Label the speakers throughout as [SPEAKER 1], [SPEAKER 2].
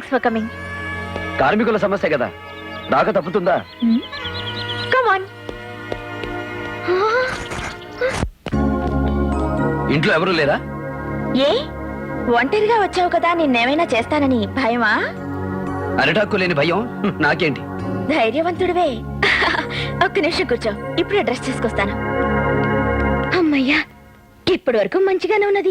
[SPEAKER 1] Thanks for coming.
[SPEAKER 2] కార్మికుల సమస్య కదా, రాక తప్పుతుందా?
[SPEAKER 1] Come on.
[SPEAKER 2] ఇంట్లో ఎవరూ లేరా?
[SPEAKER 1] ఏ ఒంటరిగా వచ్చావు కదా, నిన్నేమైనా చేస్తానని భయమా?
[SPEAKER 2] అరిటాక్కు లేని భయం నాకేంటి?
[SPEAKER 1] ధైర్యవంతుడివే. ఒక్క నిమిషం కూర్చో, ఇప్పుడే డ్రెస్ చేసుకొస్తాను. అమ్మయ్యా, ఇప్పటి వరకు మంచిగానే ఉన్నది.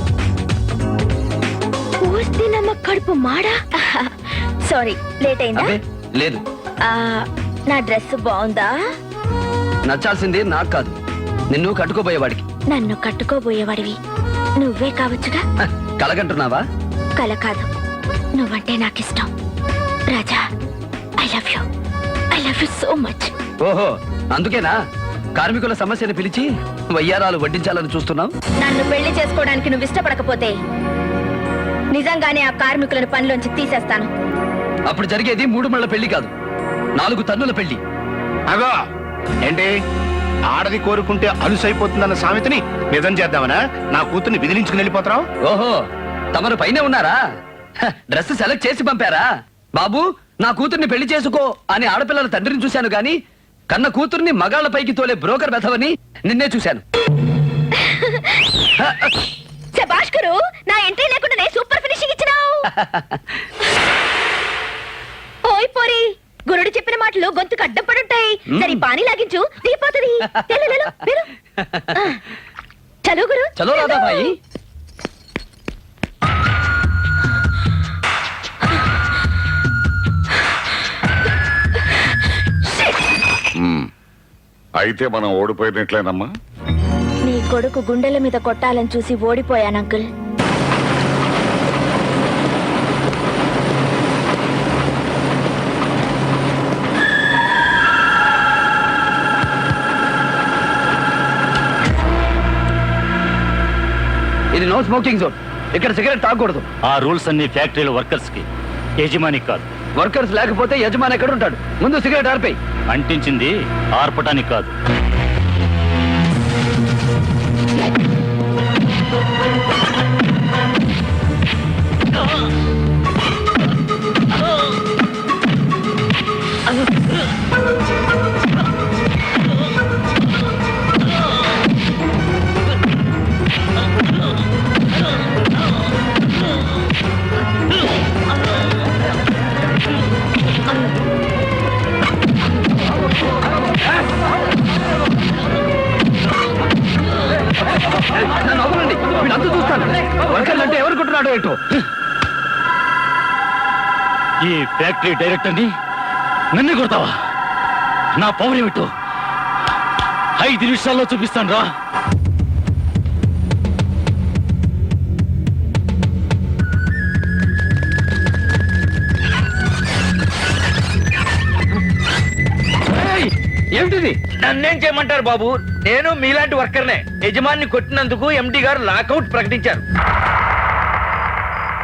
[SPEAKER 1] నమ్మ కడుపు మాడా. సారీ, లేట్ అయిందా?
[SPEAKER 2] లేదు.
[SPEAKER 1] నా డ్రెస్ బాగుందా?
[SPEAKER 2] నచ్చాల్సింది నాకు కాదు, నిన్ను కట్టుకోబోయేవాడికి.
[SPEAKER 1] నన్ను కట్టుకోబోయేవాడివి నువ్వే కావచ్చుగా.
[SPEAKER 2] కలగంటున్నావా?
[SPEAKER 1] కల కాదు, నువ్వంటే నాకిష్టం Raja. I love you, I love you so much.
[SPEAKER 2] ఓహో, అందుకేనా కార్మికుల సమస్యను పిలిచి వయ్యారాలు వడ్డించాలని చూస్తున్నావు?
[SPEAKER 1] నన్ను పెళ్లి చేసుకోవడానికి నువ్వు ఇష్టపడకపోతే నిజంగానే ఆ కార్మికులను పనిలోంచి తీసేస్తాను.
[SPEAKER 2] అప్పుడు జరిగేది 3 మళ్ళ పెళ్లి కాదు, 4 తన్నుల పెళ్లి.
[SPEAKER 3] అగో ఏంటి, ఆడది కోరుకుంటే అలుసైపోతుందన్న సామెతని నిజం చేద్దామనా? నా కూతుర్ని విదిలించుకుని వెళ్ళిపోతావు?
[SPEAKER 2] ఓహో, తమరు పైనే ఉన్నారా? డ్రెస్ సెలెక్ట్ చేసి పంపారా? బాబు, నా కూతుర్ని పెళ్లి చేసుకో అని ఆడపిల్లల తండ్రిని చూశాను గాని కన్న కూతుర్ని మగాళ్ల పైకి తోలే బ్రోకర్ బెథవని నిన్నే చూశాను.
[SPEAKER 1] భాస్కరు, నా ఎంట్రీ లేకుండా సూపర్ ఫినిషింగ్ ఇచ్చినావు. ఓయ్ పోరి, గురుడు చెప్పిన మాటలు గొంతుకు అడ్డం పడుంటాయి. సరే పానీ లాగించు, దిగిపోతుంది. చలో గురు,
[SPEAKER 2] చలో రాధా భాయి.
[SPEAKER 4] అయితే మనం ఓడిపోయినట్లేనమ్మా.
[SPEAKER 1] నీ కొడుకు గుండెల మీద కొట్టాలని చూసి ఓడిపోయాను అంకుల్.
[SPEAKER 2] ఇది నో స్మోకింగ్ జోన్, ఇక్కడ సిగరెట్ తాగకూడదు.
[SPEAKER 5] ఆ రూల్స్ అన్ని ఫ్యాక్టరీల వర్కర్స్ కి, యజమానికి కాదు.
[SPEAKER 2] వర్కర్స్ లేకపోతే యజమాని ఎక్కడ ఉంటాడు? ముందు సిగరెట్ ఆర్పేయి.
[SPEAKER 5] అంటించింది ఆర్పటానికి కాదు.
[SPEAKER 2] నవ్వులండి, వీళ్ళంతా చూస్తాను. వర్కర్లు అంటే ఎవరు కొట్టున్నాడో ఏంటో.
[SPEAKER 5] ఈ ఫ్యాక్టరీ డైరెక్టర్ని నన్ను కొడతావా? నా పవర్ ఏమిటో 5 నిమిషాల్లో చూపిస్తాను రా.
[SPEAKER 2] ఏమిటిది?
[SPEAKER 6] నన్నేం చేయమంటారు బాబు, నేను మీలాంటి వర్కర్నే. యజమాని కొట్టినందుకు ఎండి గారు లాకౌట్ ప్రకటించారు.